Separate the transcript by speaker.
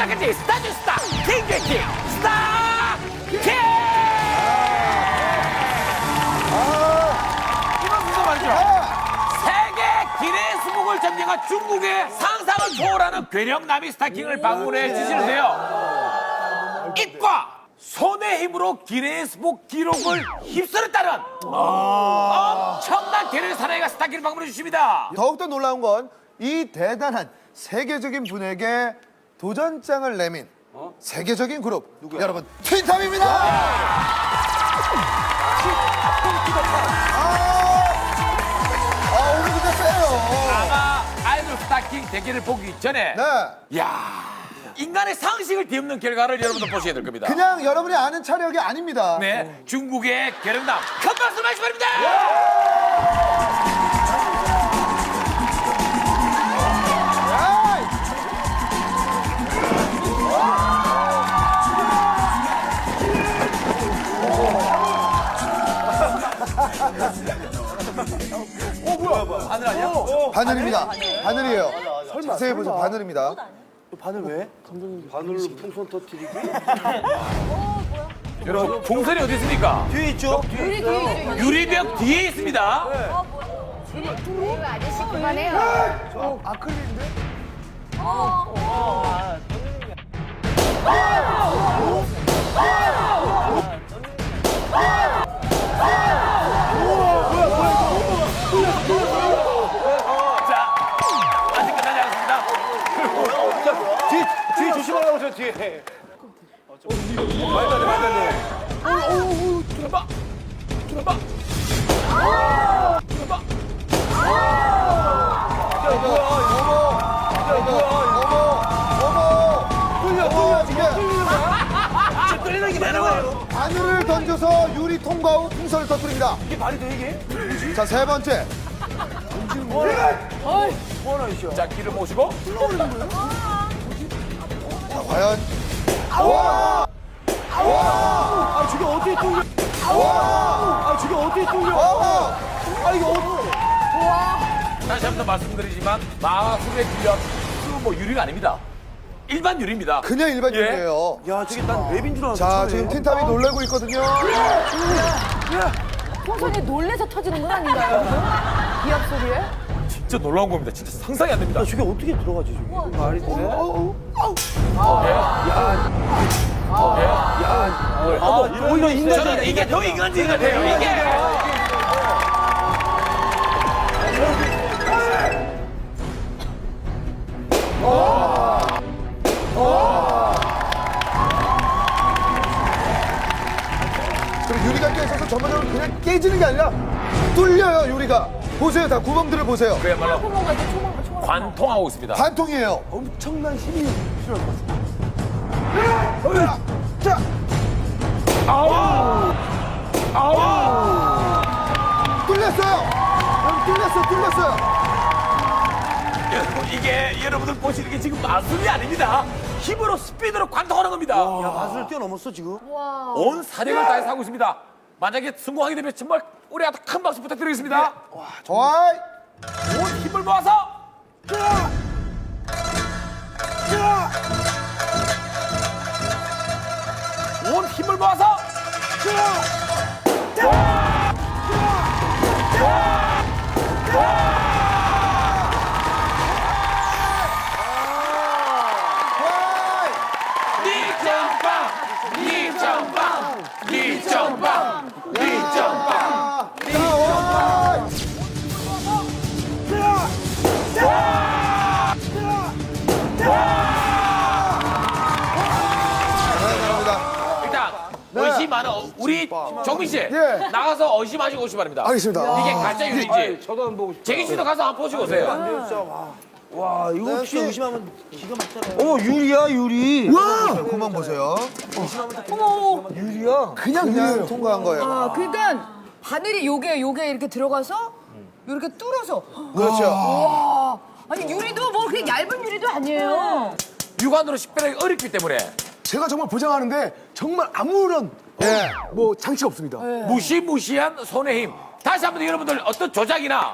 Speaker 1: 스타까지 스타즈 스타 킹 스타 킹. 이번 순서 말이죠. 세계 기네스북을 점령한 중국의 상상을 초월하는 괴력남이 스타킹을 방문해 주시는데요. 입과 손의 힘으로 기네스북 기록을 휩쓸었다는 엄청난 괴력의 사나이가 스타킹을 방문해 주십니다.
Speaker 2: 더욱더 놀라운 건 이 대단한 세계적인 분에게 도전장을 내민 세계적인 그룹 여러분 틴탑입니다. 오늘 진짜 세요.
Speaker 1: 아마 아이돌 스타킹 대결을 보기 전에
Speaker 2: 네.
Speaker 1: 야 인간의 상식을 뒤엎는 결과를 여러분들 보셔야 될 겁니다.
Speaker 2: 그냥 여러분이 아는 차력이 아닙니다.
Speaker 1: 네, 중국의 괴력남 큰 박수 마시기 바랍니다. 하늘 아니야?
Speaker 2: 바늘입니다. 바늘이에요. 자세히 보세요. 바늘입니다.
Speaker 3: 바늘 왜? 감독님 바늘로 풍선 터뜨리기?
Speaker 1: 여러분 풍선이 어디 있습니까?
Speaker 3: 뒤에 있죠?
Speaker 1: 유리벽 뒤에 있습니다.
Speaker 4: 이거 아저씨 그만해요.
Speaker 2: 아크릴인데?
Speaker 1: 자, 아직 끝나지 않았습니다.
Speaker 3: 뒤에 조심하라고 저 뒤에. 말도 안 돼, 말도 안 돼.
Speaker 1: 들어봐. 들어봐. 들어봐.
Speaker 3: 끌리는 게 많은 거예요.
Speaker 2: 바늘을 던져서 유리 통과 후 풍선을 터뜨립니다.
Speaker 3: 이게 말이 돼 이게?
Speaker 2: 자, 세 번째.
Speaker 3: 뭐하나 이쇼?
Speaker 1: 자, 길을 모시고.
Speaker 2: 자, 과연.
Speaker 3: 아 저게 어떻게 뚫려? 아 저게 어떻게 뚫려? 아 이거 어떻게?
Speaker 1: 다시 한 번 말씀드리지만 마술의 빌려 뭐 유리가 아닙니다. 일반 유리입니다.
Speaker 2: 그냥 일반 유리예요.
Speaker 3: 야 저게 난 웹인 줄 알았어.
Speaker 2: 자, 지금 틴탑이 놀래고 있거든요.
Speaker 4: 풍선이 놀래서 터지는 건 아닌가요? 기합 소리에?
Speaker 1: 진짜 놀라운 겁니다. 진짜 상상이 안 됩니다.
Speaker 3: 야 저게 어떻게 들어가지 저게? 말이 돼? 오히려 인간이
Speaker 1: 저는 이게 더 인간적인 것 같아요. 이게.
Speaker 2: 그리고 유리가 깨져서 전반적으로 그냥 깨지는 게 아니라 뚫려요, 유리가. 보세요, 다 구멍들을 보세요.
Speaker 1: 그야말로
Speaker 4: 초몽 같아, 초몽.
Speaker 1: 관통하고 있습니다.
Speaker 2: 반통이에요.
Speaker 3: 엄청난 힘이 필요할 것 같아.
Speaker 2: 자, 뚫렸어요. 뚫렸어요.
Speaker 1: 여러분, 이게 여러분들 보시는 게 지금 마술이 아닙니다. 힘으로 스피드로 관통하는 겁니다.
Speaker 3: 야 마술을 뛰어넘었어 지금.
Speaker 1: 온 사력을 다해서 하고 있습니다. 만약에 성공하게 되면 정말 우리한테 큰 박수 부탁드리겠습니다.
Speaker 2: 어이.
Speaker 1: 온 힘을 모아서 온 힘을 모아서 니정빵 일단 의심 많은 우리 정민 씨
Speaker 2: 예.
Speaker 1: 나가서 의심하시고 오시 바랍니다.
Speaker 2: 알겠습니다.
Speaker 1: 이게 가짜 유리인지
Speaker 3: 저도 한번 보고 싶다.
Speaker 1: 재기 씨도 가서 한번 보시고 오세요.
Speaker 3: 와 이거
Speaker 2: 네,
Speaker 3: 진짜 의심하면 기가 막히잖아요. 어머 유리야 유리.
Speaker 2: 와! 그만 보세요.
Speaker 3: 유리야.
Speaker 2: 그냥 통과한 거예요.
Speaker 4: 아, 그러니까 바늘이 요게 이렇게 들어가서 이렇게 뚫어서.
Speaker 2: 그렇죠.
Speaker 4: 와. 아니 유리도 뭐 그냥 얇은 유리도 아니에요.
Speaker 1: 육안으로 식별하기 어렵기 때문에
Speaker 5: 제가 정말 보장하는데 정말 아무런
Speaker 2: 예.
Speaker 5: 뭐 장치가 없습니다.
Speaker 1: 무시무시한 손의 힘. 다시 한번 여러분들 어떤 조작이나